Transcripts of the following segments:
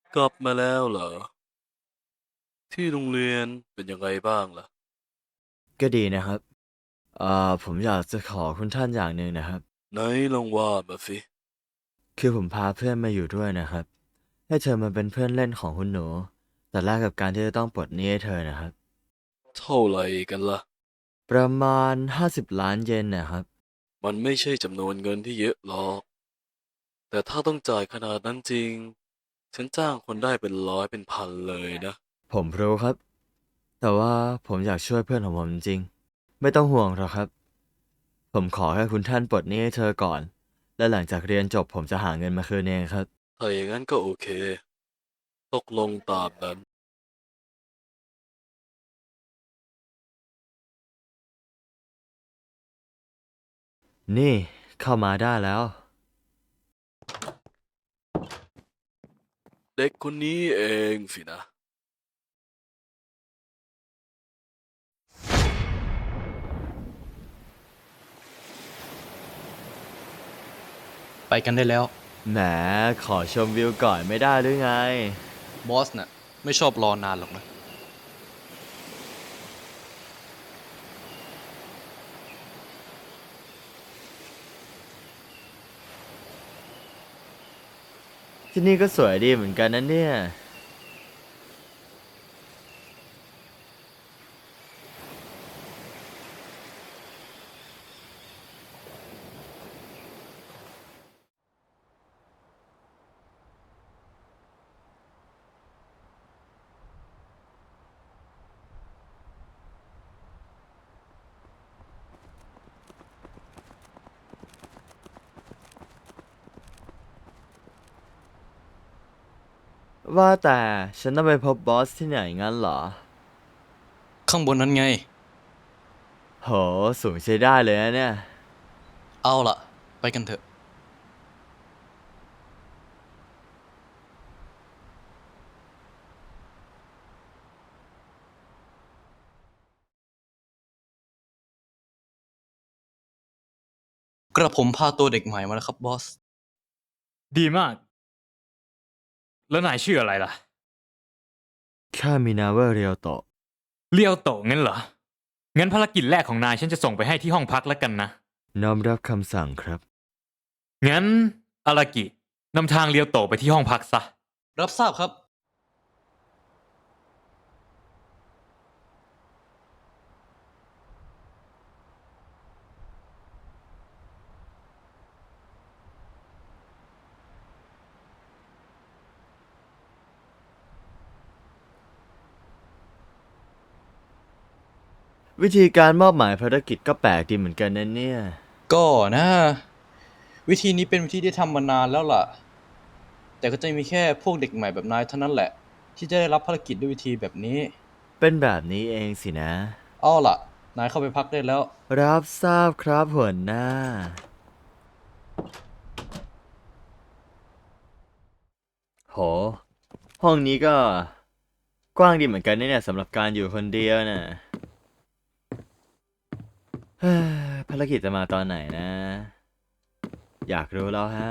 กลับมาแล้วเหรอที่โรงเรียนเป็นยังไงบ้างล่ะก็ดีนะครับผมอยากจะขอคุณท่านอย่างหนึ่งนะครับไหนลองว่ามาสิคือผมพาเพื่อนมาอยู่ด้วยนะครับให้เธอมาเป็นเพื่อนเล่นของคุณหนูแต่แลกกับการที่จะต้องปลดหนี้ให้เธอนะครับเท่าไหร่กันล่ะประมาณ50 ล้านเยนนะครับมันไม่ใช่จำนวนเงินที่เยอะหรอกแต่ถ้าต้องจ่ายขนาดนั้นจริงฉันจ้างคนได้เป็นร้อยเป็นพันเลยนะผมรู้ครับแต่ว่าผมอยากช่วยเพื่อนของผมจริงๆไม่ต้องห่วงหรอกครับผมขอแค่คุณท่านปลดหนี้ให้เธอก่อนและหลังจากเรียนจบผมจะหาเงินมาคืนเองครับถ้าอย่างนั้นก็โอเคตกลงตามนั้นนี่เข้ามาได้แล้วเด็กคนนี้เองสินะไปกันได้แล้วแหมขอชมวิวก่อนไม่ได้หรือไงบอสน่ะไม่ชอบรอนานหรอกนะที่นี่ก็สวยดีเหมือนกันนะเนี่ยว่าแต่ฉันต้องไปพบบอสที่ไหนงั้นเหรอข้างบนนั้นไงโหสูงใช้ได้เลยนะเนี่ยเอาล่ะไปกันเถอะกระผมพาตัวเด็กใหม่มาแล้วครับบอสดีมาก แล้วนายชื่ออะไรล่ะข้ามีนามว่าเรียวโตะเลียวโตะงั้นเหรอ งั้นภารกิจแรกของนายฉันจะส่งไปให้ที่ห้องพักแล้วกันนะน้อมรับคำสั่งครับงั้นอารากินำทางเลียวโตะไปที่ห้องพักซะรับทราบครับวิธีการมอบหมายภารกิจก็แปลกดีเหมือนกันนะเนี่ยก็นะวิธีนี้เป็นวิธีที่ทำมานานแล้วล่ะแต่ก็จะมีแค่พวกเด็กใหม่แบบนายเท่านั้นแหละที่จะได้รับภารกิจด้วยวิธีแบบนี้เป็นแบบนี้เองสินะเอาล่ะนายเข้าไปพักได้แล้วรับทราบครับหัวหน้าโหห้องนี้ก็กว้างดีเหมือนกันนะเนี่ยสำหรับการอยู่คนเดียวน่ะเฮ้ยภารกิจจะมาตอนไหนนะ อยากรู้แล้วฮะ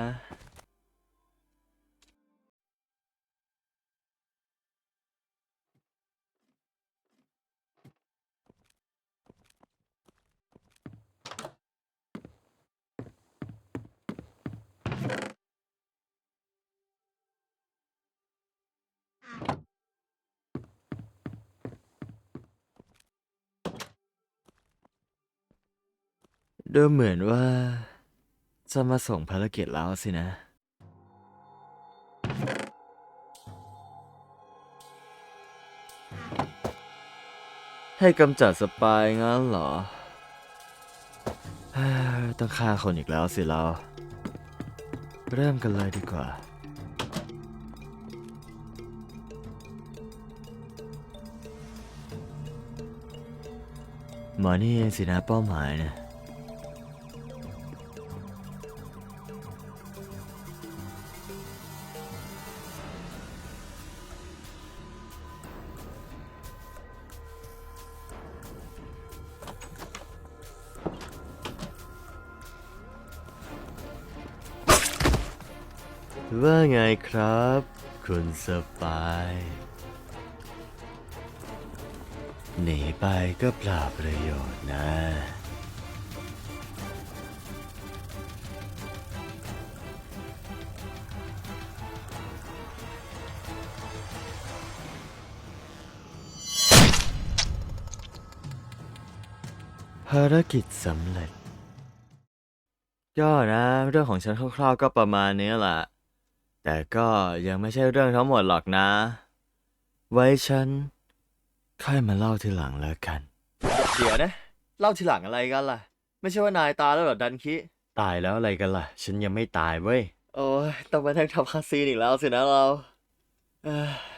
ดูเหมือนว่าจะมาส่งภารกิจแล้วสินะ ให้กำจัดสปายงั้นเหรอเฮ้ยต้องฆ่าคนอีกแล้วสิเรา เริ่มกันเลยดีกว่า หมอนี่เองสินะเป้าหมายนะว่าไงครับคุณสปาย หนีไปก็เปล่าประโยชน์นะ ภารกิจสำเร็จ ก็นะ เรื่องของฉันคร่าวๆก็ประมาณนี้แหละ แต่ก็ยังไม่ใช่เรื่องทั้งหมดหรอกนะ ไว้ฉันค่อยมาเล่าทีหลังแล้วกัน เดี๋ยวนะ เล่าทีหลังอะไรกันล่ะ ไม่ใช่ว่านายตายแล้วเหรอดันคิ ตายแล้วอะไรกันล่ะ ฉันยังไม่ตายเว้ย โอ้ยต้องมานั่งทำคาซีนอีกแล้วสินะเราเอ้ย